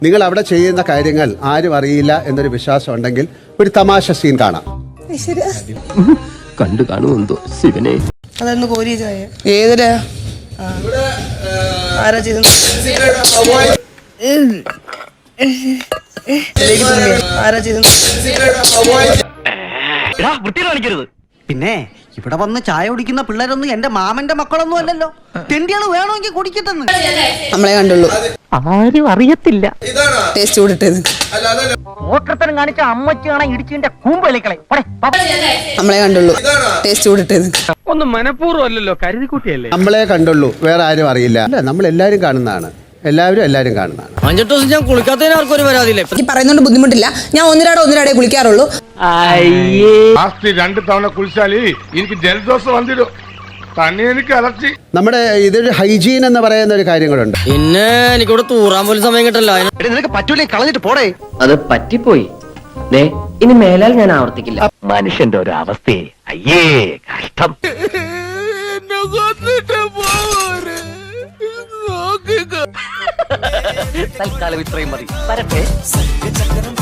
നിങ്ങൾ അവിടെ ചെയ്യുന്ന കാര്യങ്ങൾ ആരും അറിയില്ല എന്നൊരു വിശ്വാസം ഉണ്ടെങ്കിൽ ഒരു തമാശ സീൻ കാണാം. കണ്ടു കാണുമെന്തോ ശിവനെ. അതൊന്ന് കോരി ഏതിലാ ആരാ ചെയ്തു ആരാ ചെയ്തു പിന്നെ ഇവിടെ വന്ന് ചായ കുടിക്കുന്ന പിള്ളേരൊന്നും എന്റെ മാമന്റെ മക്കളൊന്നും അല്ലല്ലോ. തെണ്ടിയാണ് വേണമെങ്കിൽ കുടിക്കട്ടെന്ന്. നമ്മളെ കണ്ടുള്ളൂ, ആരും അറിയത്തില്ല. ടേസ്റ്റ് കൂടിട്ടത് ഓട്ടത്തരം കാണിച്ച അമ്മച്ച് കാണാൻ ഇടിച്ചിന്റെ കൂമ്പലിക്കളെ. നമ്മളെ കണ്ടുള്ളൂ, ടേസ്റ്റ് കൂടിട്ടത് ഒന്നും മനഃപൂർവ്വം അല്ലല്ലോ, കരുതിക്കുട്ടിയല്ലേ. നമ്മളെ കണ്ടുള്ളൂ, വേറെ ആരും അറിയില്ല. അല്ല, നമ്മൾ എല്ലാവരും കാണുന്നതാണ്, എല്ലാവരും കാണുന്നതാണ്. 5 ദിവസം ഞാൻ കുളിക്കാത്തതിന് ആർക്കും ഒരു പരാതിയില്ല. എനിക്ക് പറയുന്നോണ്ട് ബുദ്ധിമുട്ടില്ല. ഞാൻ ഒന്നിരാടേ കുളിക്കാറുള്ളൂ. ലാസ്റ്റ് 2 തവണ കുളിച്ചാല് എനിക്ക് ജലദോഷം വന്നിരും. തന്നെ എനിക്ക് അലർച്ചി. നമ്മുടെ ഇതൊരു ഹൈജീൻ എന്ന് പറയുന്ന ഒരു കാര്യങ്ങളുണ്ട്. പിന്നെ എനിക്കിവിടെ തൂറാൻ പോലും സമയം കിട്ടല്ലോ. നിനക്ക് പറ്റൂലേ, കളഞ്ഞിട്ട് പോടേ. അത് പറ്റിപ്പോയി. ഇനി മേലാൽ ഞാൻ ആവർത്തിക്കില്ല. മനുഷ്യന്റെ ഒരു അവസ്ഥയെ അയ്യേ കഷ്ടം. തൽക്കാലം ഇത്രയും മതി.